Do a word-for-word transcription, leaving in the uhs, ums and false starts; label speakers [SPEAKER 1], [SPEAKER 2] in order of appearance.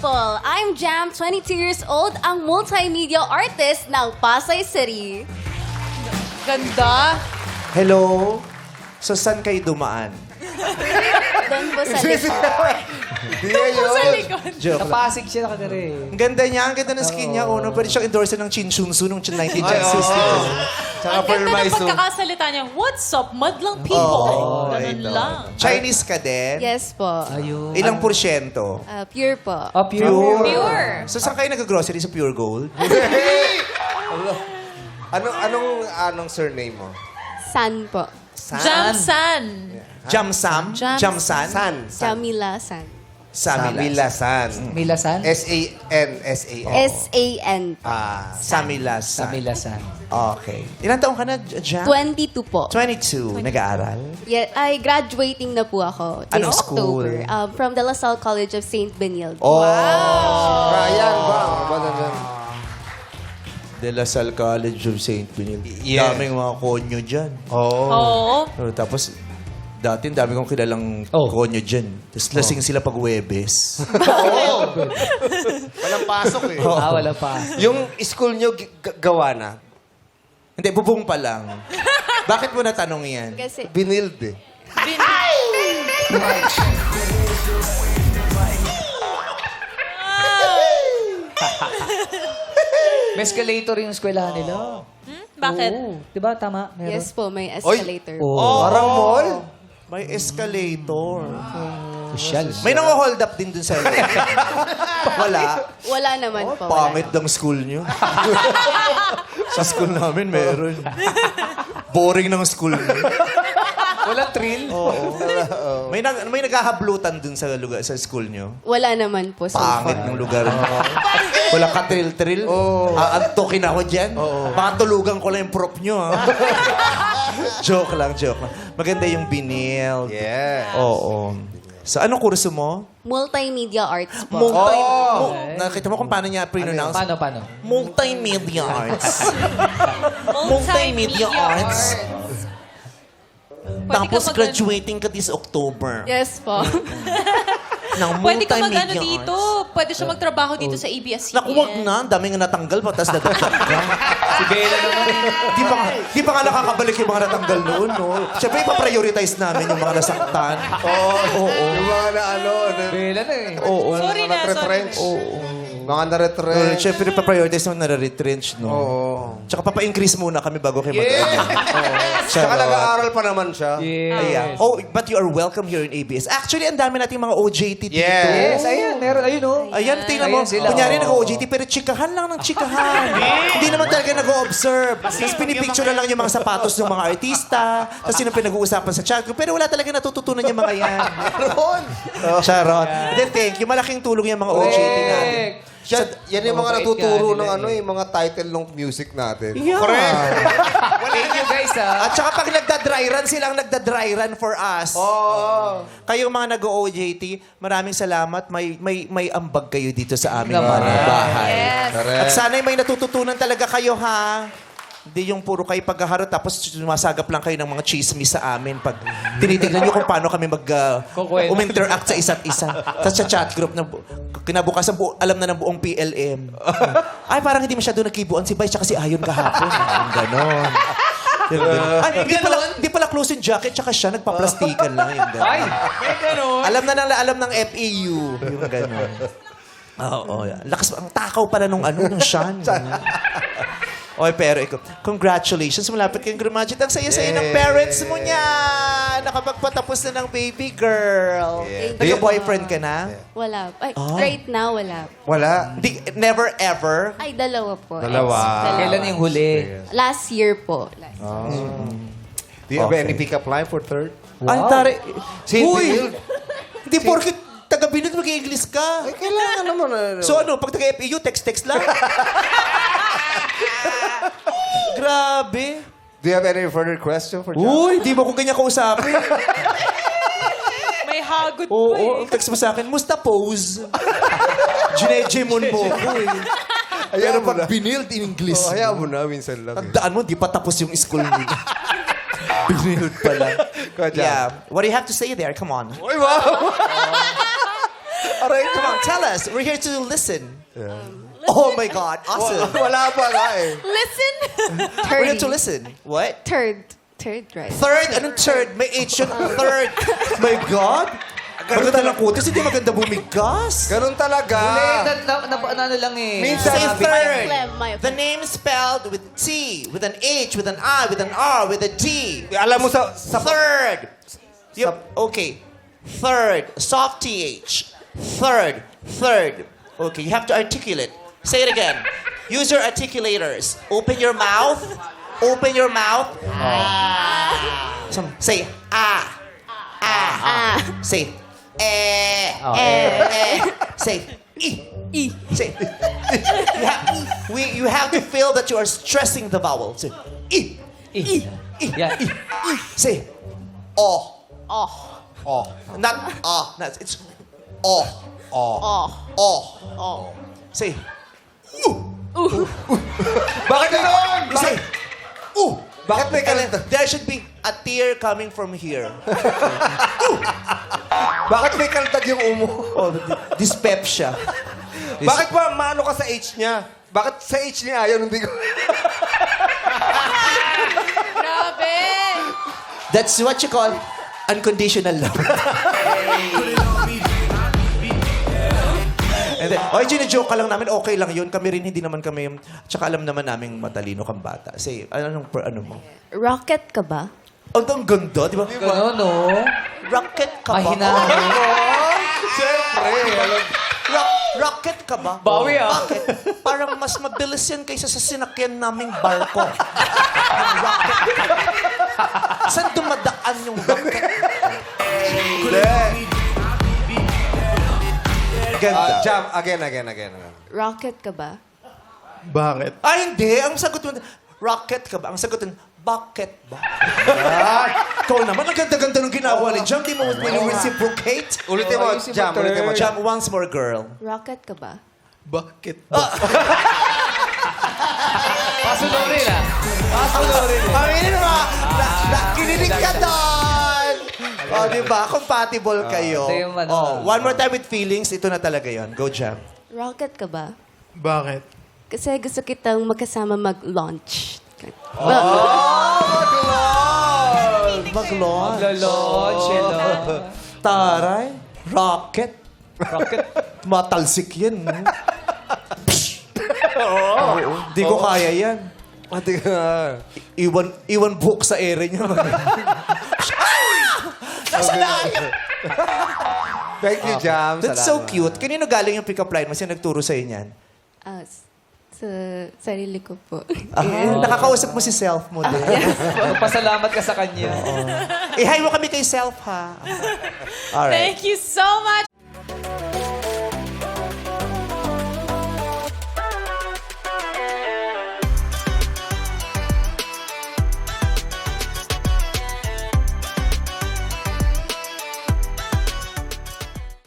[SPEAKER 1] people! I'm Jam, twenty-two years old, ang multimedia artist ng Pasay City.
[SPEAKER 2] Ganda.
[SPEAKER 3] Hello? So, saan kayo dumaan?
[SPEAKER 1] Doon po sa likod.
[SPEAKER 4] Hindi yun.
[SPEAKER 2] Sa likod.
[SPEAKER 3] Joke
[SPEAKER 5] Sa
[SPEAKER 3] lang.
[SPEAKER 5] Pasig siya nakagari.
[SPEAKER 3] Ang ganda niya, ang ganda ng skin niya. Oh, no? Pwede siyang endorser ng Chin Shunsu nung nineteen
[SPEAKER 4] Ay,
[SPEAKER 3] Genesis.
[SPEAKER 4] oo. Tsaka
[SPEAKER 2] Ang ganda ng
[SPEAKER 4] Permaiso.
[SPEAKER 2] pagkakasalita niya. What's up, madlang people?
[SPEAKER 3] Oh,
[SPEAKER 2] Ganun
[SPEAKER 3] ito.
[SPEAKER 2] lang.
[SPEAKER 3] Chinese ka din?
[SPEAKER 1] Yes po.
[SPEAKER 5] Ayun.
[SPEAKER 3] Ilang porsyento?
[SPEAKER 1] Uh, pure po.
[SPEAKER 5] Oh, pure.
[SPEAKER 2] Pure.
[SPEAKER 3] So, saan kayo nag-grocery sa Pure Gold?
[SPEAKER 4] Anong, anong, anong surname mo?
[SPEAKER 1] San po.
[SPEAKER 2] Jamsan.
[SPEAKER 3] Jamsam?
[SPEAKER 2] Jam-
[SPEAKER 3] Jamsan?
[SPEAKER 4] San.
[SPEAKER 1] Jamila San.
[SPEAKER 3] Samilas.
[SPEAKER 4] Samilasan.
[SPEAKER 5] Milasan?
[SPEAKER 4] S-A-N. S-A-N.
[SPEAKER 1] S A N.
[SPEAKER 4] Ah.
[SPEAKER 3] Samilas.
[SPEAKER 5] Sa Milasan.
[SPEAKER 3] Okay. Ilan taong ka na, Jam?
[SPEAKER 1] twenty-two po.
[SPEAKER 3] twenty-two. Nag-aaral?
[SPEAKER 1] Yeah, ay, graduating na po ako. This
[SPEAKER 3] Anong school?
[SPEAKER 1] October. Um, from the La Salle College of Saint Benilde.
[SPEAKER 3] Oh.
[SPEAKER 4] Ryan ba? Ba na dyan?
[SPEAKER 3] De La Salle College of Saint Benilde.
[SPEAKER 4] Yes.
[SPEAKER 3] Daming mga konyo dyan.
[SPEAKER 4] Oo.
[SPEAKER 2] Oo.
[SPEAKER 3] Oh, tapos, dati ang dami kong kilalang
[SPEAKER 5] Oh.
[SPEAKER 3] konyo dyan. Tapos lasing sila pag Webes.
[SPEAKER 4] Walang pasok eh.
[SPEAKER 5] Ah, wala pa.
[SPEAKER 4] Yung school nyo g- g- gawa na?
[SPEAKER 3] Hindi, bubong pa lang. Bakit mo natanong yan?
[SPEAKER 1] Kasi,
[SPEAKER 4] Binild eh.
[SPEAKER 5] May escalator yung eskwelahan nila.
[SPEAKER 2] Hmm? Bakit?
[SPEAKER 5] Oo. Di ba? Tama? Meron.
[SPEAKER 1] yes po, may escalator.
[SPEAKER 5] Oo.
[SPEAKER 4] Parang mall.
[SPEAKER 3] May escalator.
[SPEAKER 5] Social.
[SPEAKER 3] May nang-hold up din dun sa Wala.
[SPEAKER 1] Wala naman po. wala
[SPEAKER 3] Pangit ng school nyo. Sa school namin, meron. Boring ng school nyo.
[SPEAKER 5] Wala thrill.
[SPEAKER 3] Oo. May, nag, may naghahablutan dun sa lugar sa school nyo.
[SPEAKER 1] Wala naman po so
[SPEAKER 3] Pangit
[SPEAKER 1] far.
[SPEAKER 3] ng lugar nyo. Wala ka thrill-thrill. Oh. Aantokin ako dyan. Baka tulugan ko lang yung prop nyo. Ha? Joke lang, joke lang. Maganda yung binil.
[SPEAKER 4] Yeah.
[SPEAKER 3] Oo. So, anong kurso mo?
[SPEAKER 1] Multimedia arts po.
[SPEAKER 3] Multi...
[SPEAKER 4] Oh!
[SPEAKER 3] mu- nakita mo kung paano niya pre-pronounce?
[SPEAKER 5] Paano, paano?
[SPEAKER 3] Multimedia arts. Multimedia arts.
[SPEAKER 2] Pwede
[SPEAKER 3] Tapos
[SPEAKER 2] ka mag-
[SPEAKER 3] graduating ka this October.
[SPEAKER 1] Yes po.
[SPEAKER 3] Ng
[SPEAKER 2] Pwede ka
[SPEAKER 3] multimedia
[SPEAKER 2] mag-ano dito.
[SPEAKER 3] arts.
[SPEAKER 2] Pwede siya magtrabaho dito sa A B S C N.
[SPEAKER 3] Naku, wag na. Ang dami nga natanggal pa, tapos natanggal ka.
[SPEAKER 5] Si Bella naman.
[SPEAKER 3] di, pa, nga- di pa nga nakakabalik yung mga natanggal noon, no? Siyempre, ipaprioritize namin yung mga nasaktan. Oo, oo.
[SPEAKER 4] Yung mga na ano, na,
[SPEAKER 5] Bella na eh.
[SPEAKER 3] Oo.
[SPEAKER 2] Sorry na, sorry
[SPEAKER 4] retrench.
[SPEAKER 2] na.
[SPEAKER 3] Oo.
[SPEAKER 4] Mga
[SPEAKER 3] Uh,
[SPEAKER 4] na-retrench.
[SPEAKER 3] Siyempre, ipaprioritize yung nare-retrench, no?
[SPEAKER 4] Oo.
[SPEAKER 3] Tsaka papa-increase muna kami bago kayo mag-
[SPEAKER 4] Yeah. Tsaka
[SPEAKER 3] Charot.
[SPEAKER 4] nag-aaral pa naman siya.
[SPEAKER 5] Yes.
[SPEAKER 3] Ayan. Oh, but you are welcome here in A B S. Actually, ang dami nating mga O J T dito.
[SPEAKER 4] Yes.
[SPEAKER 5] Yes, ayan. Meron. Ayun, oh.
[SPEAKER 3] Ayan, tingnan mo.
[SPEAKER 5] Ayan sila,
[SPEAKER 3] Kunyari,
[SPEAKER 5] oh.
[SPEAKER 3] nag-O J T, pero chikahan lang ng chikahan. Hindi naman talaga nag-o-observe. Tapos pinipicture na lang yung mga sapatos ng mga artista. Tapos yun ang pinag-uusapan sa chat group. Pero wala talaga natututunan yung mga yan.
[SPEAKER 4] Meron.
[SPEAKER 3] Charot. Then, thank you. Malaking tulong yung mga O J T natin.
[SPEAKER 5] Correct.
[SPEAKER 4] Siya, yan yung mga
[SPEAKER 5] Mabait
[SPEAKER 4] natuturo
[SPEAKER 5] ka
[SPEAKER 4] ng
[SPEAKER 5] nila
[SPEAKER 4] ano,
[SPEAKER 5] eh.
[SPEAKER 4] yung mga title ng music natin.
[SPEAKER 3] Yeah.
[SPEAKER 5] Thank you guys, ah.
[SPEAKER 3] At saka pag nagda-dry run, silang nagda-dry run for us.
[SPEAKER 4] Oo.
[SPEAKER 3] Kayong mga nag-O J T, maraming salamat. May may may ambag kayo dito sa aming
[SPEAKER 5] Naman.
[SPEAKER 3] mga bahay.
[SPEAKER 2] Yes.
[SPEAKER 3] At sana'y may natututunan talaga kayo, ha? Hindi yung puro kayo pagkaharot tapos sumasagap lang kayo ng mga chismis sa amin pag tinitignan nyo kung paano kami mag uh,
[SPEAKER 5] Kukwento.
[SPEAKER 3] uminteract sa isa't isa. Tapos sa chat group, na bu- kinabukasan bu- alam na ng buong P L M. Ay, parang hindi masyado nagkibuan si Bay tsaka si Ayon kahapon. Yung ganon. Yung ganon. Ay, hindi pala, hindi pala close yung jacket tsaka siya, nagpa-plastikan lang. Yung ganon.
[SPEAKER 5] Ay, may ganun.
[SPEAKER 3] Alam na ng alam ng F E U. Yung ganon. Oo. Oh, lakas, ang takaw pala nung ano, nung Sean. Oy, pero ikaw, congratulations. Malapit kayong graduate. Ang saya-saya ng parents mo niya. Nakapagpatapos na ng baby girl.
[SPEAKER 1] Thank
[SPEAKER 3] May
[SPEAKER 1] you.
[SPEAKER 3] boyfriend ka na?
[SPEAKER 1] Wala. Ay,
[SPEAKER 3] Ah.
[SPEAKER 1] right now, wala.
[SPEAKER 4] Wala.
[SPEAKER 3] Di, never ever?
[SPEAKER 1] Ay, dalawa po.
[SPEAKER 4] Dalawa.
[SPEAKER 1] Ex,
[SPEAKER 5] Kailan yung huli?
[SPEAKER 1] Last year po. Last
[SPEAKER 4] Do you have
[SPEAKER 3] Okay.
[SPEAKER 4] any pick-up line for third?
[SPEAKER 3] Ay, tari.
[SPEAKER 4] Si
[SPEAKER 3] Uy!
[SPEAKER 4] Bill.
[SPEAKER 3] Hindi porkit taga-binod mag-i-English ka.
[SPEAKER 4] Ay, kailangan naman. Ano.
[SPEAKER 3] So ano, pag taga-F E U, text-text lang? Grabe.
[SPEAKER 4] Do you have any further question for John?
[SPEAKER 3] Uy, di mo ko ganyan kausapin.
[SPEAKER 2] May hagod po
[SPEAKER 3] Oo,
[SPEAKER 2] eh.
[SPEAKER 3] ang text mo sa akin, musta pose? Ginejemon mo ko eh. Pero
[SPEAKER 4] mo
[SPEAKER 3] pag
[SPEAKER 4] na.
[SPEAKER 3] binild in English,
[SPEAKER 4] Oh, hayaan mo na, minsan lang. Eh.
[SPEAKER 3] tandaan mo, di pa tapos yung school mo. Binild pala.
[SPEAKER 4] Go, John.
[SPEAKER 3] Yeah. What do you have to say there? Come on.
[SPEAKER 4] Uy, wow! Aray,
[SPEAKER 3] Come on, tell us. We're here to listen. Oh my God, awesome.
[SPEAKER 4] Wala pa nga eh.
[SPEAKER 2] Listen!
[SPEAKER 3] We're here to listen. What?
[SPEAKER 1] Third. Third, right?
[SPEAKER 3] Third? Anong third? May H yun. Third. My God. Maganda lang kutis, hindi maganda bumigas.
[SPEAKER 4] Ganun talaga.
[SPEAKER 5] Hindi, na, na, na, ano lang eh.
[SPEAKER 4] Minsan-
[SPEAKER 3] Say
[SPEAKER 4] Sabi-
[SPEAKER 3] third.
[SPEAKER 1] My phlegm, my
[SPEAKER 3] The name is spelled with T, with an H, with an I, with an R, with a D.
[SPEAKER 4] Alam mo sa... sa
[SPEAKER 3] Third. Yep. Okay. Third. Soft T H. Third. Third. Okay, you have to articulate. Say it again. Use your articulators. Open your mouth. Open your mouth. Some, say ah. Ah. Say eh.
[SPEAKER 5] Oh,
[SPEAKER 3] Eh. Say e. E. Say you have, we, you have to feel that you are stressing the vowel. Say e.
[SPEAKER 5] E. Yeah.
[SPEAKER 3] E. Say oh.
[SPEAKER 1] Oh.
[SPEAKER 4] Oh.
[SPEAKER 3] Not ah. Not, it's oh.
[SPEAKER 4] Oh.
[SPEAKER 1] Oh.
[SPEAKER 3] Oh.
[SPEAKER 1] Oh.
[SPEAKER 3] Say
[SPEAKER 4] Bakit gano'n?
[SPEAKER 3] you say ooh.
[SPEAKER 4] Bakit may
[SPEAKER 3] And then
[SPEAKER 4] kalta?
[SPEAKER 3] there should be a tear coming from here.
[SPEAKER 4] Bakit may kaltag yung umo?
[SPEAKER 3] Oh, dyspepsia.
[SPEAKER 4] Bakit ba maano ka sa H niya? Bakit sa H niya ayaw hindi ko...
[SPEAKER 2] Grabe!
[SPEAKER 3] That's what you call unconditional love. And then, oy, joke ka lang namin, okay lang yun. Kami rin, hindi naman kami, tsaka alam naman naming matalino kang bata. Say, anong, per- ano mo?
[SPEAKER 1] Rocket ka ba?
[SPEAKER 3] Ang, ang ganda, di ba?
[SPEAKER 5] Gano'n, no?
[SPEAKER 3] Rocket ka ba?
[SPEAKER 5] Mahinahin.
[SPEAKER 4] Siyempre. alam-
[SPEAKER 3] Rock, rocket ka ba?
[SPEAKER 5] Bawi, ah.
[SPEAKER 3] Bakit? Parang mas mabilis yan kaysa sa sinakyan naming barko. Ang rocket. Saan dumadaan yung rocket?
[SPEAKER 4] Hindi.
[SPEAKER 3] Ganda.
[SPEAKER 4] Ah, jump. Again, again, again. again.
[SPEAKER 1] Rocket ka ba?
[SPEAKER 4] Bakit?
[SPEAKER 3] Ah, hindi. Ang sagot mo, rocket ka ba? Ang sagot mo, bucket ba? Ikaw naman, ang ganda-ganda ng ginawa ni Jam. Di mo reciprocate?
[SPEAKER 4] Ulitin mo,
[SPEAKER 5] ayusin mo,
[SPEAKER 4] jump. Ulitin mo,
[SPEAKER 5] third.
[SPEAKER 3] Jam,
[SPEAKER 4] jump.
[SPEAKER 3] once more, girl.
[SPEAKER 1] Rocket ka ba?
[SPEAKER 4] Bakit?
[SPEAKER 5] Pasunurin ah. Pasunurin.
[SPEAKER 3] Pamilin mo, na- nakinilig ka doon. Oh, di ba? Compatible kayo.
[SPEAKER 5] ito yung ano.
[SPEAKER 3] Oh, one more time with feelings. Ito na talaga yon. Go, Jam.
[SPEAKER 1] Rocket ka ba?
[SPEAKER 6] Bakit?
[SPEAKER 1] Kasi gusto kitang magkasama mag-launch.
[SPEAKER 3] Mag-launch.
[SPEAKER 5] Maglo-launch, hello.
[SPEAKER 3] Taray. Rocket.
[SPEAKER 5] Rocket.
[SPEAKER 3] Matalsik yan. no? Oo. Di ko kaya yan.
[SPEAKER 4] Ate ka.
[SPEAKER 3] Iwan, iwan book sa ere niya. Nasa layo.
[SPEAKER 4] Thank you, Jam.
[SPEAKER 3] That's so
[SPEAKER 4] Salamat.
[SPEAKER 3] cute. Kanino galing yung pick-up line mo? Sino nagturo sa'yo niyan?
[SPEAKER 1] Ah, s- sa sarili ko po.
[SPEAKER 3] Ah, nakakausap mo si self mo din.
[SPEAKER 5] Pasalamat ka sa kanya.
[SPEAKER 3] I-hi mo kami kay self, ha? Alright.
[SPEAKER 2] Thank you so much!